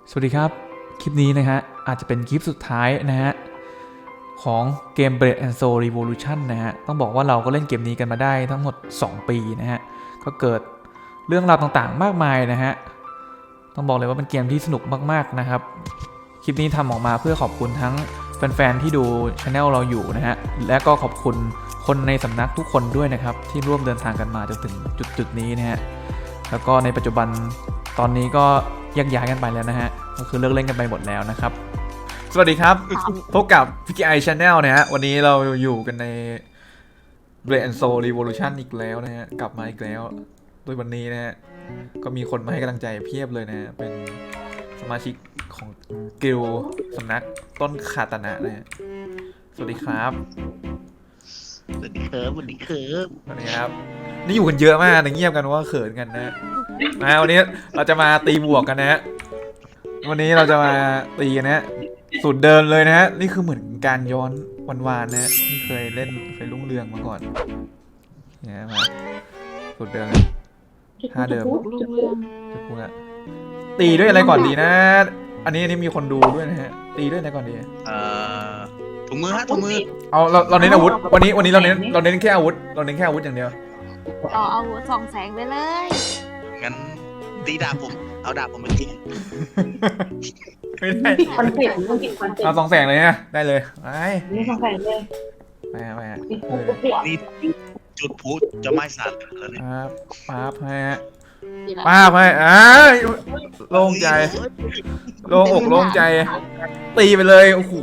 สวัสดีครับคลิปนี้นะฮะอาจจะเป็นคลิปสุดท้ายนะฮะของเกม Blade and Soul Revolution นะฮะต้องบอกว่าเราก็เล่นเกมนี้กันมาได้ทั้งหมด2 ปีนะฮะก็เกิดเรื่องราวต่างๆมากมายนะฮะต้องบอกเลยว่าเป็นเกมที่สนุกมากๆนะครับคลิปนี้ทำออกมาเพื่อขอบคุณทั้งแฟนๆที่ดูช anel เราอยู่นะฮะและก็ขอบคุณคนในสำนักทุกคนด้วยนะครับที่ร่วมเดินทางกันมาจนถึงจุดนี้นะฮะแล้วก็ในปัจจุบันตอนนี้ก็แยกย้ายกันไปแล้วนะฮะก็คือเลิกเล่นกันไปหมดแล้วนะครับสวัสดีครับพบกับ PKI Channel นะฮะวันนี้เราอยู่กันใน Blade and Soul Revolution อีกแล้วนะฮะกลับมาอีกแล้วโดยวันนี้นะฮะก็มีคนมาให้กำลังใจเพียบเลยนะฮะเป็นสมาชิกของกิลด์สำนักต้นคาตานะนะฮะสวัสดีครับสวัสดีครับสวัสดีครับสวัสดีครับนี่อยู่กันเยอะมากแต่เงียบกันว่าเขินกันนะวันนี้เราจะมาตีบวกกันนะฮะวันนี้เราจะมาตีกันนะฮะสูตรเดิมเลยนะฮะนี่คือเหมือนการย้อนวานๆนะฮะที่เคยเล่นเคยรุ่งเรืองมาก่อนเนี่ยมาสูตรเดิมท่าเดิมจะพูดอะตีด้วยอะไรก่อนดีนะอันนี้มีคนดูด้วยนะฮะตีด้วยอะไรก่อนดีถุงมือฮะถุงมือเอาเราเน้นอาวุธวันนี้เราเน้นแค่อาวุธเราเน้นแค่อาวุธอย่างเดียวเอาส่องแสงไปเลยงั้นตีดาบผมเอาดาบผมไปตีไม่ได้คอนเซ็ปต์มันติดคอนเซ็ปต์เอา2 แสงเลยนะได้เลยไปนี่สองแสงเลยไปนี่จุดพุจะไม่สั่นแล้วเนี่ยป้าบให้ป้าบให้โล่งใจโล่งอกโล่งใจตีไปเลยโอ้โห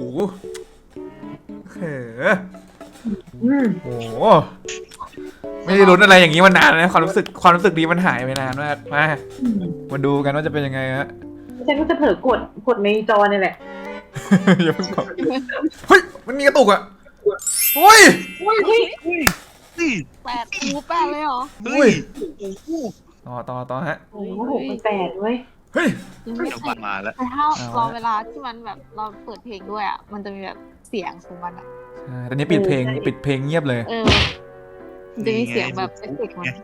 โอ้โหไม่ได้ลุ้นอะไรอย่างนี้มานานนะความรู้สึกดีมันหายไปนานมากมาดูกันว่าจะเป็นยังไงฮะฉันก็จะเผลอกดในจอนี่แหละอย่าเพิ่งกดเฮ้ยมันมีกระตุกอ่ะเฮ้ย 8เลยเหรอเฮ้ยต่อฮะโอ้โห8เว้ยเฮ้ยยังไม่ใช่มาแล้วแต่ถ้ารอเวลาที่มันแบบเราเปิดเพลงด้วยอ่ะมันจะมีแบบเสียงของมันอ่ะตอนนี้ปิดเพลงเงียบเลยมันจะมีเสียงแบบเอฟเฟกต์มัน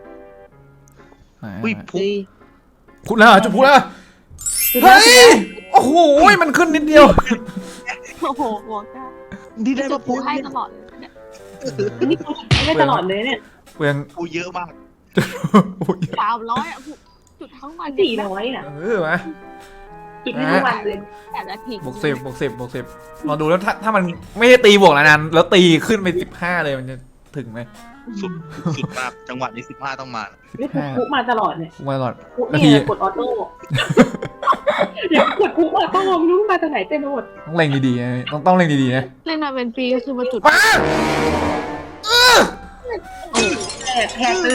พูดแล้วจุดพูดแล้วเฮ้ยโอ้โหมันขึ้นนิดเดียวโอ้โหหัวกล้าดีได้จะพูดให้ตลอดเลยเนี่ยนี่ไม่ตลอดเลยเนี่ยเปลืองพูดเยอะมาก 300อ่ะจุดทั้งวัน 400อ่ะมาจุดทั้งวันเลย 8 นาทีบวก10เราดูแล้วถ้ามันไม่ได้ตีบวกแล้วนั้นแล้วตีขึ้นไป15เลยมันจะถึงไหมสุดมากจังหวะนี้15ต้องมานี่คุกมาตลอดเนี่ยมาตลอดนี่กดออโต้อยากกดคุกออโต้ไม่รู้มาจากไหนเต็มไปหมดต้องเล็งดีๆนะต้องเล็งดีๆนะเล่นมาเป็นปีก็คือมาจุดแหกเลย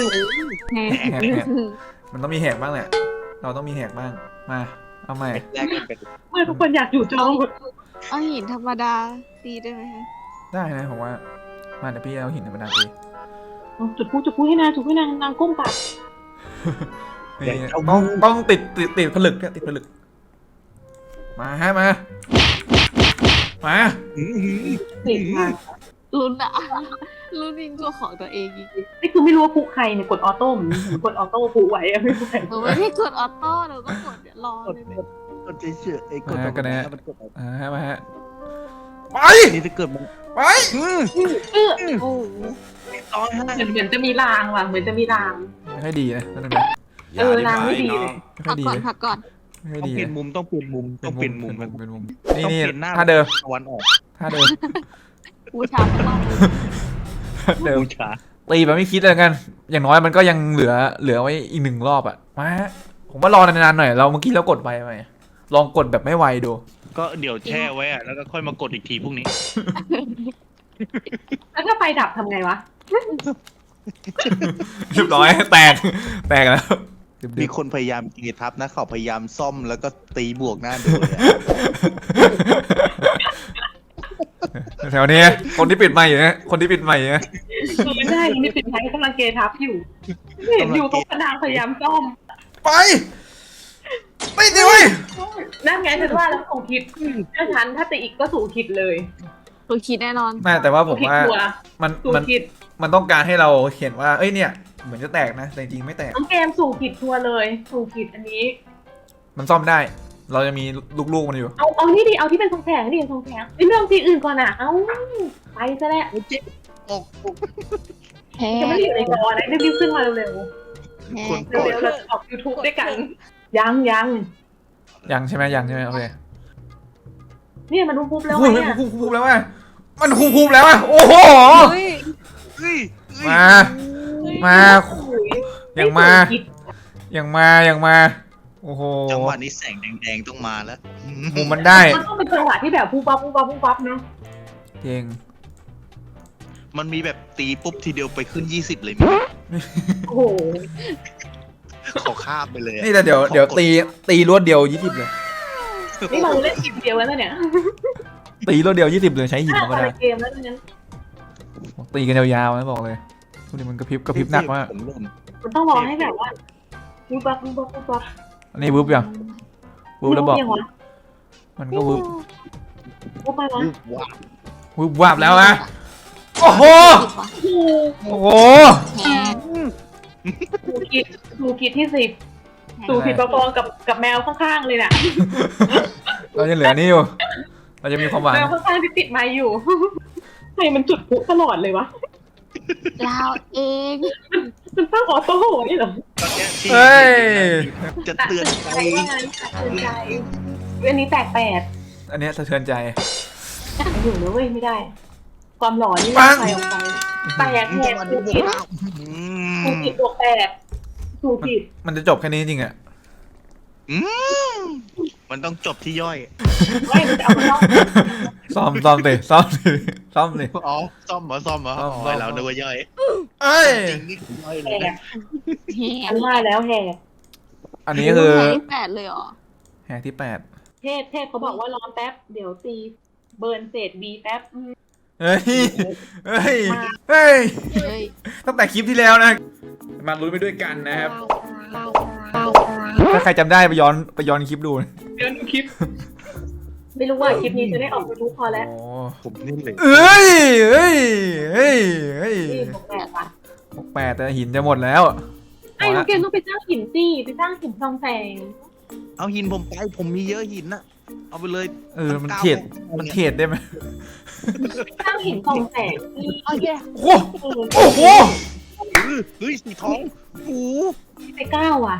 มันต้องมีแหกบ้างแหละเราต้องมีแหกบ้างมาเอาใหม่เมื่อทุกคนอยากอยู่จอหมดเอาหินธรรมดาตีได้ไหมคะได้นะผมว่ามาเดี๋ยวพี่เอาหินธรรมดาตีจุดพูให้นางก้มปากต้องติดผลึกเนี่ยติดผลึกมาติดค่ะลุ้นยิงตัวของตัวเองอีกนี่คือไม่รู้ว่าพุกใครเนี่ยกดออโต้เหมือนกดออโต้พุกไว้อะไม่รู้ใครไม่ได้กดออโต้เราก็กดรอเลยกดเฉยๆกดกันนะมาฮะไปนี่จะเกิดมันไปโอ้เหมือนจะมีรางว่ะเหมือนจะมีรางให้ดีนะนั่นนะรางไม่ดีเลยพักก่อนให้ดีต้องเปลี่ยนมุมต้องเปลี่ยนมุมนี่ถ้าเดิมตะวันออกถ้าเดิมบูชาเดิมตีแบบไม่คิดเลยกันอย่างน้อยมันก็ยังเหลือไว้อีก1 รอบอ่ะมาผมว่ารอนานๆหน่อยเราเมื่อกี้เรากดไปไหมลองกดแบบไม่ไวดูก็เดี๋ยวแช่ไว้อะแล้วก็ค่อยมากดอีกทีพรุ่งนี้แล้วถ้าไฟดับทำไงวะเรียบร้อยแตกแล้วมีคนพยายามเกทับนะเขาพยายามซ่อมแล้วก็ตีบวกหน้าดูแถวนี้คนที่ปิดไมค์อยู่นะไม่ได้คนที่ปิดไมค์กำลังเกทับอยู่เห็นอยู่ตรงกระดานพยายามซ่อมไปไม่ดีเว้ยนั่นไงฉันว่าแล้วสูงคิดถ้าตีอีกก็สูงคิดเลยสูงคิดแน่นอนไม่แต่ว่าผมว่ามันต้องการให้เราเห็นว่าเอ้ยเนี่ยเหมือนจะแตกนะแต่จริงไม่แตกน้องเกมสูงคิดทัวร์เลยสูงคิดอันนี้มันซ่อมได้เราจะมีลูกๆมันอยู่เอานี่ดิเอาที่เป็นทองแสงดิทองแสงไม่ต้องสีอื่นก่อนอ่ะเอาไปซะแล้วออกแฮจะไม่ได้อยู่ในจอนะรีบๆขึ้นมาเร็วคนๆกดเร็วๆเราจะออก YouTube ด้วยกันยังยังใช่ไหมยังใช่ไหมโอเคเนี่ยมันปุ๊บแล้วโอ้ยไงมันอ่ะคุบแล้วว่ะมันคุบแล้วว่ะโอ้โหเฮ้ยเฮ้ยมาอย่างมาโอ้โหจังหวะนี้แสงแดงๆต้องมาแล้วมุมมันได้มันต้องเป็นจังหวะที่แบบปุ๊บปั๊บเนาะจริงมันมีแบบตีปุ๊บทีเดียวไปขึ้น20เลยมั้ยโอ้โหขอข้ามไปเลยอะนี่แต่เดี๋ยวตีรวดเดียว20เลยนี่เราเล่นทีมเดียวแล้วเนี่ยตีรวดเดียว20เลยใช้หินธรรมดาเกมแล้วงั้นตีกันยาวๆนะบอกเลยทุกนี้มันกระพริบหนักมากผมหล่นมันต้องรอให้แบบว่าปุ๊บปั๊บอันนี้วึบยังวึบแล้วบอกยังวะมันก็วึบปุ๊บไปวะว้าววึบวับแล้วนะโอ้โหผิดวะโอ้โหแฮกดูกิจที่10 สู่ผิดประกองกับแมวข้างๆเลยน่ะเราจะเหลือนี่อยู่เราจะมีความหวังแมวข้างๆที่ติดไม้อยู่ ใครมันจุดพลุตลอดเลยวะเราเองมันตั้งออโต้นี่เหรอตอนเนี้ยที่เฮ้ยจะเตือนใจเตือนใจอันนี้แตกแปดอันเนี้ยสะเทือนใจอยู่นะเว้ยไม่ได้ ความหลอนนี่ปัไม่งไปออกไปแตกแหจักงหวะสู่นี้ผิดว้าวสู่ผิดบวกแปดสู่ผิดมันจะจบแค่นี้จริงๆอะอืมมันต้องจบที่ย่อยไม่มันจะเอาไปนอกซ่อมสิอ๋อซ่อมเหรออ๋อเรานึกว่าย่อยเอ้ยจริงนี่คือย่อยเลแหยกแฮอันว่าแล้วแหกอันนี้คือแฮกที่8เลยเหรอแหกที่8 เทพเขาบอกว่ารอแป๊บเดี๋ยวตีเบิร์นเศษบีแป๊บเฮ้ยเฮ้ยเฮ้ยตั้งแต่คลิปที่แล้วนะมาลุ้นไปด้วยกันนะครับถ้าใครจำได้ไปย้อนคลิปดูนะเดี๋ยวดูคลิป ไม่รู้ว่าคลิปนี้จะได้ออกยูทูบพอแล้วโอ้ผมนี่เลยเอ้ยนี่บวกแปดว่ะ 8แต่หินจะหมดแล้วไอ้น้องเกมต้องไปสร้างหินสิไปสร้างหินทองแสงเอาหินผมไปผมมีเยอะหินน่ะเอาไปเลยมันเขตได้ไหมสร้างหินทองแสงที่โอเคโอ้โหเฮ้ยสีทองโอ้ไปก้าวอ่ะ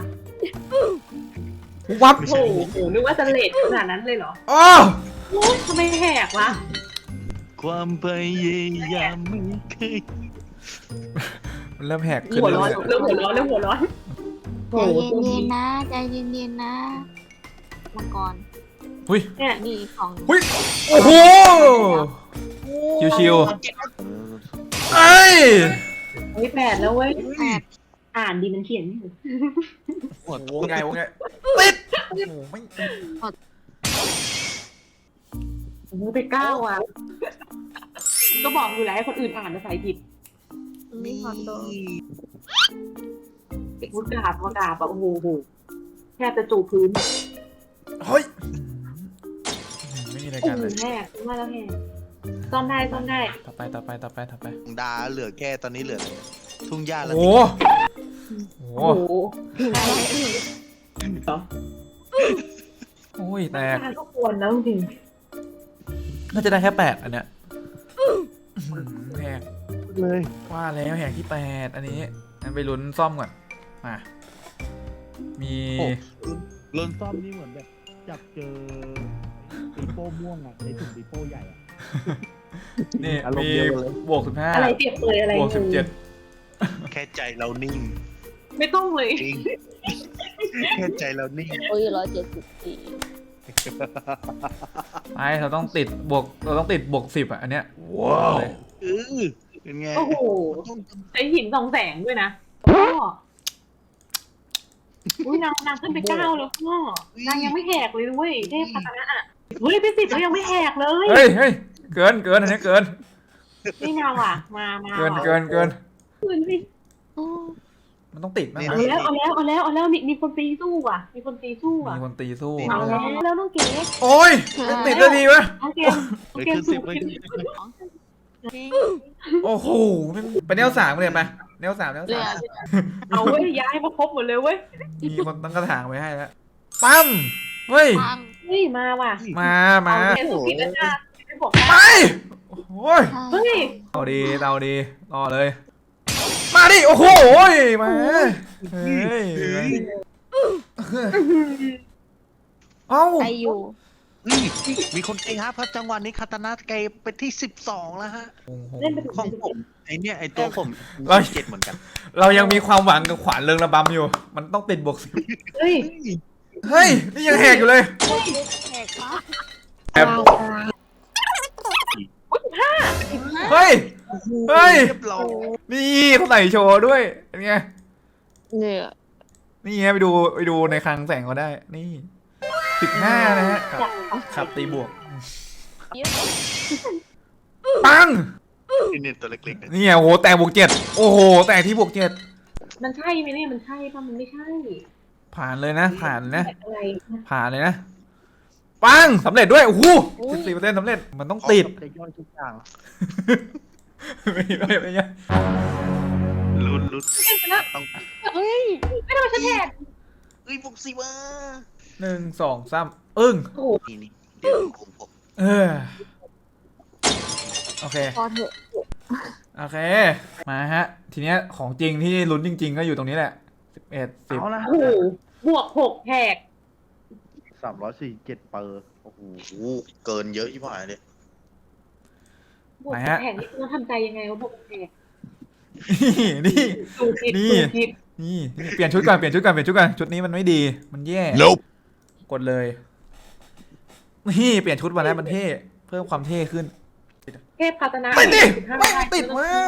วับโอ้โหนึกว่าจะเลทขนาดนั้นเลยเหรออ๋อโอ้ยทำไมแหกวะความพยายามไม่เคยมันเริ่มแหกขึ้นหัวร้อนเรื่อยเริ่มหัวร้อนใจเย็นๆนะใจเย็นๆนะมังกรๆหุ้ยเนี่ยมีของหุ้ยโอ้โหชิวๆเอ้ยเฮ้ยแปดแล้วเว้ยแปดอ่านดีมันเขียนไม่ถูกหัวโอ้ไงติดโอ้โหไม่โอ้โหไปก้าวอ่ะ ก็บอกอยู่แล้วให้คนอื่นอ่านภาษาผิดมีของโดนพูดกราบแบบโอ้โหแทบจะจูบพื้นเฮ้ยไม่มีอะไรโอ้กันโหเลยแม่ว่าแล้วแม่ซ่อมได้ต่อไปดาเหลือแค่ตอนนี้เหลือทุ่งหญ้าแล้วโอ้โหโอ้โหโอ้ยแตกทุกคนแล้วจริงน่าจะได้แค่8อันเนี้ยแหกเลยว่าแล้วแหกที่8อันนี้งั้นไปลุ้นซ่อมก่อนมามีลนซ่อมนี่เหมือนแบบจับเจอปีโป้ม่วงอ่ะในถุงปีโป้ใหญ่อ่ะนี่อารมณ์มีเดียวกันเลยบวกอะไรเปรียบเปรยอะไร 15บวก17 แค่ใจเรานิ่งไม่ต้องเลยจริงแค่ใจเรานิ่งโอ้ย174 ไปเราต้องติดบวก10อ่ะอันเนี้ยว้าวเป็นไงโอ้โหใช้หิน2 แสงด้วยนะพ่ออุ้ยนางขึ้นไป9แล้วพ่อนางยังไม่แหกเลยด้วยเทพพัฒนะอ่ะเฮ้ยไป10แล้วยังไม่แหกเลยเฮ้ยเกินอันนี้เกินนี่นางว่ะมาเกินคืนสิมันต้องติดมั้งเอาแล้วมีคนตีสู้ว่ะมีคนตีสู้ว่ะมีคนตีสู้เอาแล้วน้องเก๋โอ้ยไม่ติดได้ดีวะน้องเกมเลยขึ้นสิบเลยโอ้โหไปแนว3เลยไปแนว3 เหลือเอาเว้ยย้ายมาครบหมดเลยเว้ยมีคนตั้งกระถางไว้ให้แล้วปั๊มเฮ้ยทางเฮ้ยมาว่ะมาเอาเทสุผิดแล้วจ้าไม่บอกไปโอ้ยเฮ้ยเอาดีรอเลย มาดิ โอ้โหมาเฮ้ยเอ้าไปอยู่นี่มีคนเกย์ครับจังหวะนี้คาตานะเกย์ไปที่12แล้วฮะเล่นไปถึงของผมไอเนี่ยไอตัวผม7เหมือนกันเรายังมีความหวังกับขวานเริงระบำอยู่ มันต้องติดบวกสิบเฮ้ยเฮ้ย นี่ยังแหกอยู่เลยแขกปะแอบ 15 เฮ้ย เฮ้ยเรียบร้อยนี่เขาใส่โชว์ด้วยเป็นไงเนี่ยนี่ไงไปดูในคลังแสงเขาได้ นี่15นะฮะ ครับตีบวก ปังนี่ตัวเล็กๆนี่ไงโอ้โหแต่บวก7โอ้โหแต่ที่บวก7 มันใช่ไหมเนี่ยมันใช่ป่ะมันไม่ใช่ผ่านเลยนะ ผ่านนะอะไรนะผ่านเลยนะ ปังสำเร็จด้วย โอ้โห14%สำเร็จ มันต้องติดจะย่อยทุกอย่างไม่ใช่ลุ้นเล่นไปแล้วต้องเฮ้ยไม่ทำไมฉันแหกบวก10ว่ะ 1 2 3อึ้งโอ้โหนี่เดี๋ยวผมเออโอเคพอเถอะโอเค มาฮะ ทีเนี้ยของจริงที่ลุ้นจริง ๆ ก็อยู่ตรงนี้แหละ11 เอา 10 ละโอ้โหบวก6แหก 347เปอร์โอ้โหเกินเยอะที่ผ่านเลยบวก6แหกนี่ต้องทำใจยังไงวะบวก6แหกนี่ดูผิดนี่ดูผิดนี่เปลี่ยนชุดก่อนชุดนี้มันไม่ดีมันแย่ กดเลยนี่เปลี่ยนชุดมาแล้วมันเท่เพิ่มความเท่ขึ้นเทพคาตนะไม่ติด 15 ไม่ติดเว้ย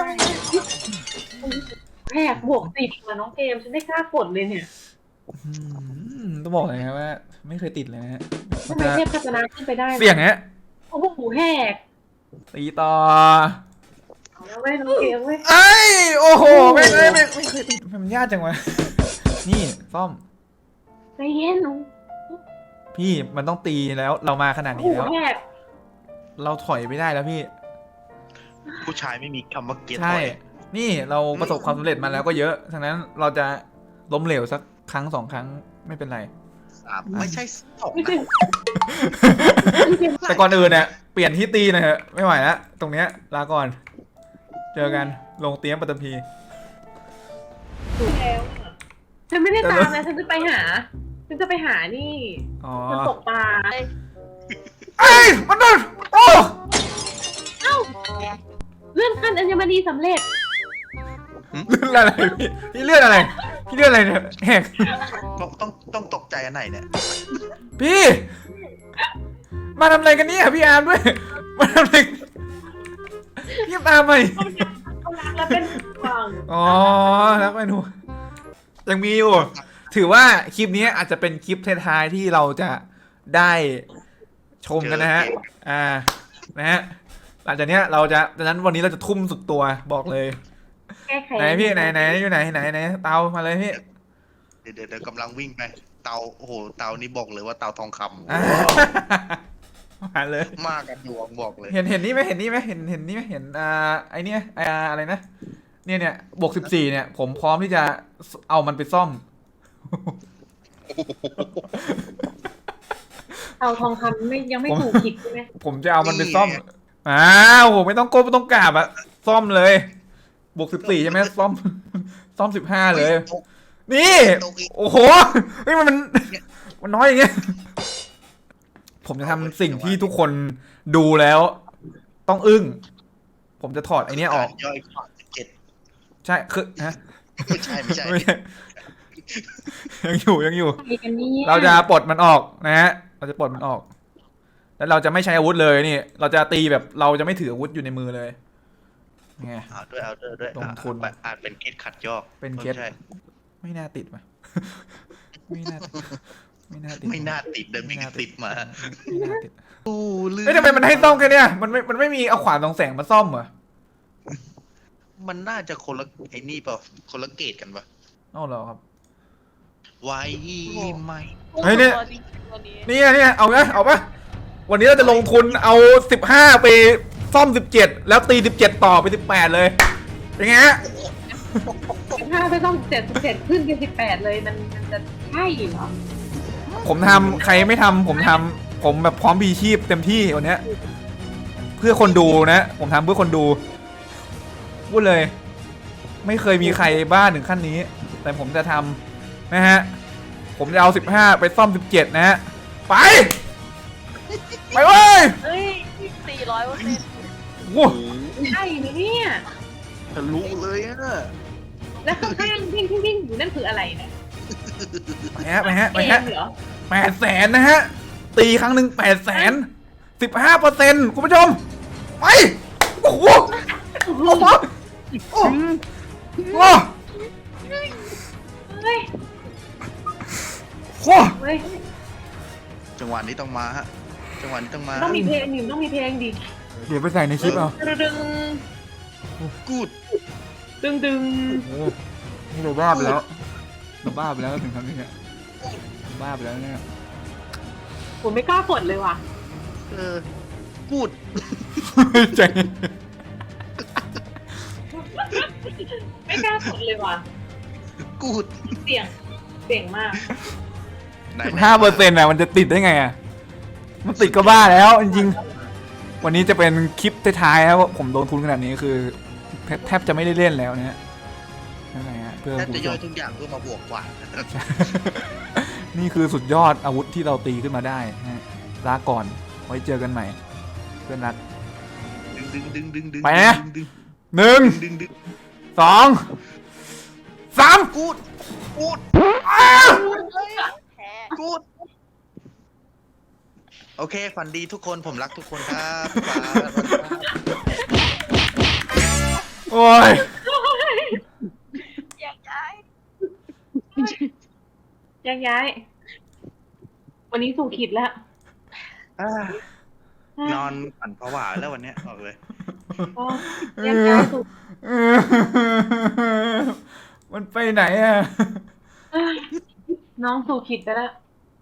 แหกบวก10ว่ะน้องเกมฉันไม่กล้ากดเลยเนี่ยต้องบอกเลยนะว่า ไม่เคยติดเลยนะฮะทำไมเทพคาตนะขึ้นไปได้วะเสี่ยงฮะโอ้โหแหกตีต่อเอาแล้วเว้ยน้องเกมเว้ยไอ้ยโอ้โหไม่เคยติดมันยากจังวะนี่ซ่อมใจเย็นหนูพี่มันต้องตีแล้วเรามาขนาดโอ้นี้โหแล้วแหกเราถอยไม่ได้แล้วพี่ผู้ชายไม่มีคำว่าเกียรติใช่ นี่เราประสบความสำเร็จมาแล้วก็เยอะฉะนั้นเราจะล้มเหลวสักครั้ง2 ครั้งไม่เป็นไร 3ไม่ใช่2 ไม่นะใช่แต่ก่อนอื่นเนี่ยเปลี่ยนที่ตีหนะฮะไม่ไหวแล้วตรงเนี้ยลาก่อน เจอกันลงเตี้ยมปัตตภีถูกแล้วอะฉันไม่ได้ตามนะฉันจะไปหานี่อ๋อมันตกปลาไอ้ยมันโดนโอ้เลื่อนขั้นอัญมณีสำเร็จเลื่อนอะไรพี่เลื่อนอะไรพี่เลื่อนอะไรเนี่ยแหกต้องตกใจอันไหนเนี่ยพี่มาทำอะไรกันเนี่ยพี่อาร์มด้วยมาทำอะไรพี่ตามไปเขารักแล้วเป็นฟังอ๋อแล้วไปหนูยังมีอยู่ถือว่าคลิปนี้อาจจะเป็นคลิปท้ายๆที่เราจะได้ชมกันนะฮะนะฮะหลังจากเนี้ยเราจะดังนั้นวันนี้เราจะทุ่มสุดตัวบอกเลยแก้ไขไหนพี่ไหนอยู่ไหนเตามาเลยพี่เดี๋ยวกำลังวิ่งไปเตาโอ้โหเตานี่บอกเลยว่าเตาทองคอ่ะมาเลยำมากกันดวงบอกเลยเห็นนี่ไหมเห็นนี่ไหมเห็นไอเนี้ยอะไรนะเนี่ยบวก14เนี่ยผมพร้อมที่จะเอามันไปซ่อมเอาทองคำยังไม่ถูกผิดใช่ไหมผมจะเอามันไปซ่อมอ้าวโหไม่ต้องก้มไม่ต้องกราบอะซ่อมเลยบวก14ใช่ไหมซ่อม15เลย นี่ โอ้โหเฮ้ยมันน้อยอย่างเงี้ยผมจะทำสิ่งที่ทุกคนดูแล้วต้องอึ้งผมจะถอดไอเนี้ยออกย่อยขวา7 ใช่คือฮะไม่ใช่ไม่ใช่ยังอยู่อะไรกันเนี่ยเราจะปลดมันออกนะฮะเราจะปลดมันออก แล้วเราจะไม่ใช้อาวุธเลยนี่ เราจะตีแบบเราจะไม่ถืออาวุธอยู่ในมือเลยไงเอาด้วยลงทุนอาจเป็นเคสขัดยอกเป็นเคสไม่ใช่ไม่น่าติดว่ะไม่น่าติดไม่น่าติดเดินไปติดมาไม่น่าติดโอ้ลืมเอ้ยทำไมมันให้ซ่อมแค่เนี้ยมันไม่มีเอาขวานสองแสงมาซ่อมเหรอมันน่าจะคนละไอ้นี่เปล่าคนละเกตกันปะเอ้าเหรอครับไว้ไหมเฮ้ยเนี่ย เนี่ยเอาปะวันนี้เราจะลงทุนเอา15ไปซ่อม17แล้วตี17ต่อไป18เลยเป็นไงฮะถ้าไม่ต้อง7ขึ้นเป็น18เลยมันจะใช่เหรอผมทำใครไม่ทำผมทำผมแบบพร้อมบีชีพเต็มที่วันเนี้ยเพื่อคนดูนะผมทำเพื่อคนดูพูดเลย ไม่เคยมีใครบ้าถึงขั้นนี้ แต่ผมจะทำนะฮะผมจะเอา15ไปซ่อม17นะฮะไปเว้ยเฮ้ย400% โอ้ใช่ไหมเนี่ยทะลุเลยอะแล้วข้างๆพิ้งอยู่นั่นคืออะไรเนี่ยไปฮะเกมเหรอ 800,000นะฮะตีครั้งหนึ่ง800,000 15%คุณผู้ชมไปโอ้โหโอ้โหโอ้โหเฮ้ยโอ้เฮ้ยจังหวะนี้ต้องมาฮะจังหวะนี้ต้องมาต้องมีเพลงดิต้องมีเพลงดิเดี๋ยวไปใส่ในคลิปเอาดึงกูดดึงโอ้นี่เราบ้าไปแล้วเราบ้าไปแล้วถึงทำนี้เนี่ยบ้าไปแล้วเนี่ยผมไม่กล้ากดเลยว่ะกูดใจไม่กล้ากดเลยว่ะกูดเสี่ยงมาก 15%อ่ะมันจะติดได้ไงอ่ะมันติดก็บ้าแล้วจริงๆวันนี้จะเป็นคลิปท้ายๆครับว่าผมลงทุนขนาดนี้คือแทบจะไม่ได้เล่นแล้วเนี่ยนั่นไงฮะเพื่อแทบคุณจะผู้ชย่อยมทุกอย่างเพื่อมาบวกกว่านี่คือสุดยอดอาวุธที่เราตีขึ้นมาได้นะฮะลาก่อนไว้เจอกันใหม่เพื่อนรักดึงไปนะดึงหนึ่งดึง 2 3 กูดกูดแพ้กูดโอเคฝันดีทุกคนผมรักทุกคนครับโอ้ยอยากย้ายย้ายวันนี้สู่ขีดแล้วนอนฝันผวาแล้ววันเนี้ยบอกเลยก็ย้ายสู่มันไปไหนอ่ะน้องสู่ขีดไปแล้ว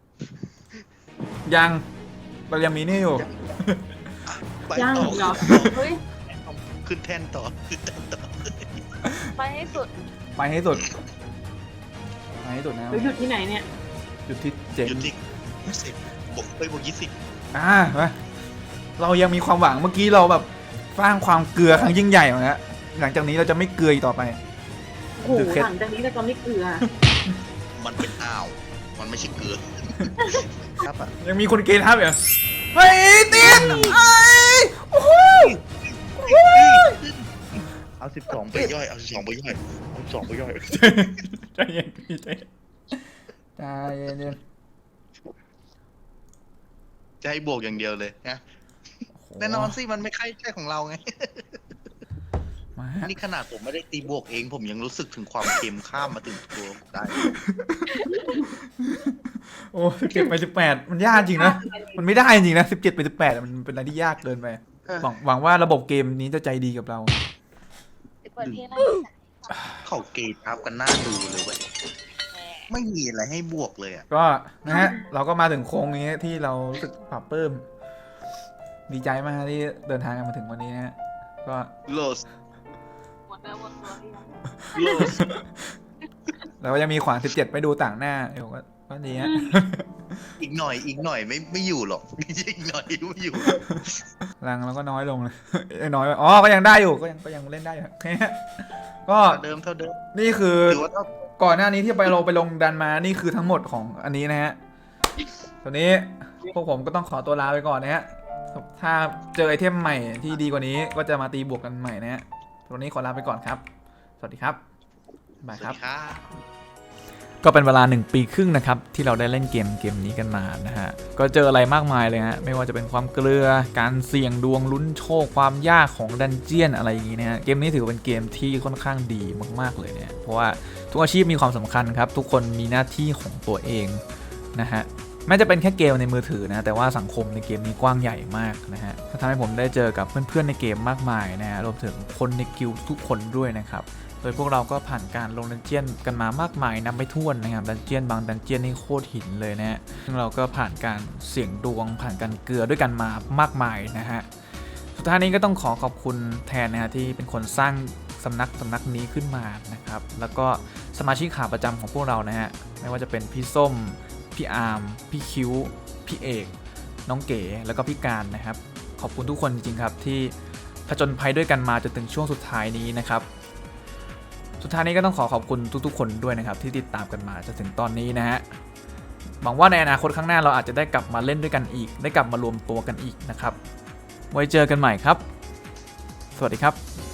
ยังเรายังมีนี่อยู่ไปยังต่อเหรอเฮ้ยขึ้นแท่นต่อขึ้นแท่นต่อไปให้สุดไปให้สุดไปให้สุดนะหรือหยุดที่ไหนเนี่ยจุดที่เจ๋งหยุดที่10บวกไปบวก20 มาเรายังมีความหวังเมื่อกี้เราแบบสร้างความเกลือครั้งยิ่งใหญ่มาแล้วหลังจากนี้เราจะไม่เกลืออีกต่อไปโอ้โหหลังจากนี้เราจะไม่เกลือมันเป็นอ้าวมันไม่ใช่เกลือครับอ่ะยังมีคนเกย์ทับอยู่เฮ้ยตินไอ้โอ้โหเอา12ไปย่อยเอา12ไปย่อยเอา12ไปย่อยใจเย็นพี่ใจเย็นใจเย็นจะให้บวกอย่างเดียวเลยนะแน่นอนสิมันไม่ใช่ของเราไงมานี่ขนาดผมไม่ได้ตีบวกเองผมยังรู้สึกถึงความเค็มข้ามมาถึงตัวได้โอ้17 ไป 18มันยากจริงนะมันไม่ได้จริงนะ17 ไป 18มันเป็นอะไรที่ยากเกินไปหวังว่าระบบเกมนี้จะใจดีกับเราเปิดเพลงอะไรเขาเกย์ทับกันหน้าดูเลยเว้ยไม่มีอะไรให้บวกเลยอ่ะก็นะฮะเราก็มาถึงโค้งนี้ที่เรารู้สึกปรับปลื้มดีใจมากที่เดินทางกันมาถึงวันนี้นะฮะก็โลสหมดเนื้อหมดตัวที่ยังโลสเราก็ยังมีขวาน17ไปดูต่างหน้าเดี๋ยวก็ดีฮะอีกหน่อยไม่อยู่หรอก อีกหน่อยไม่อยู่รังเราก็น้อยลงเลย น้อยไปอ๋อก็ยังได้อยู่ก็ยังเล่นได้อยู่ ก็เท่าเดิมนี่คือถือว่าเท่าก่อนหน้านี้ที่ไปลงดันมานี่คือทั้งหมดของอันนี้นะฮะตอนนี้พวกผมก็ต้องขอตัวลาไปก่อนนะฮะถ้าเจอไอเทมใหม่ที่ดีกว่านี้ก็จะมาตีบวกกันใหม่นะฮะวันนี้ขอลาไปก่อนครับสวัสดีครับบายสควัรัสบดีครับก็เป็นเวลา1 ปีครึ่งนะครับที่เราได้เล่นเกมนี้กันมานะฮะก็เจออะไรมากมายเลยฮะไม่ว่าจะเป็นความเกลือการเสี่ยงดวงลุ้นโชคความยากของดันเจียนอะไรอย่างงี้นะฮะเกมนี้ถือเป็นเกมที่ค่อนข้างดีมากๆเลยเนี่ยเพราะว่าทุกอาชีพมีความสำคัญครับทุกคนมีหน้าที่ของตัวเองนะฮะแม้จะเป็นแค่เกมในมือถือนะแต่ว่าสังคมในเกมนี้กว้างใหญ่มากนะฮะทำให้ผมได้เจอกับเพื่อนๆในเกมมากมายนะฮะรวมถึงคนในกิลด์ทุกคนด้วยนะครับโดยพวกเราก็ผ่านการลงดันเจียนกันมามากมายนับไม่ถ้วนนะครับดันเจียนบางดันเจียนนี่โคตรหินเลยนะฮะซึ่งเราก็ผ่านการเสี่ยงดวงผ่านการเกลือด้วยกันมามากมายนะฮะสุดท้ายนี้ก็ต้องขอบคุณแทนนะฮะที่เป็นคนสร้างสำนักนี้ขึ้นมานะครับแล้วก็สมาชิกขาประจำของพวกเรานะฮะไม่ว่าจะเป็นพี่ส้มพี่อาร์มพี่คิ้วพี่เอกน้องเก๋แล้วก็พี่การนะครับขอบคุณทุกคนจริงๆครับที่ผจญภัยด้วยกันมาจนถึงช่วงสุดท้ายนี้นะครับสุดท้ายนี้ก็ต้องขอบคุณทุกๆคนด้วยนะครับที่ติดตามกันมาจนถึงตอนนี้นะฮะหวังว่าในอนาคตข้างหน้าเราอาจจะได้กลับมาเล่นด้วยกันอีกได้กลับมารวมตัวกันอีกนะครับไว้เจอกันใหม่ครับสวัสดีครับ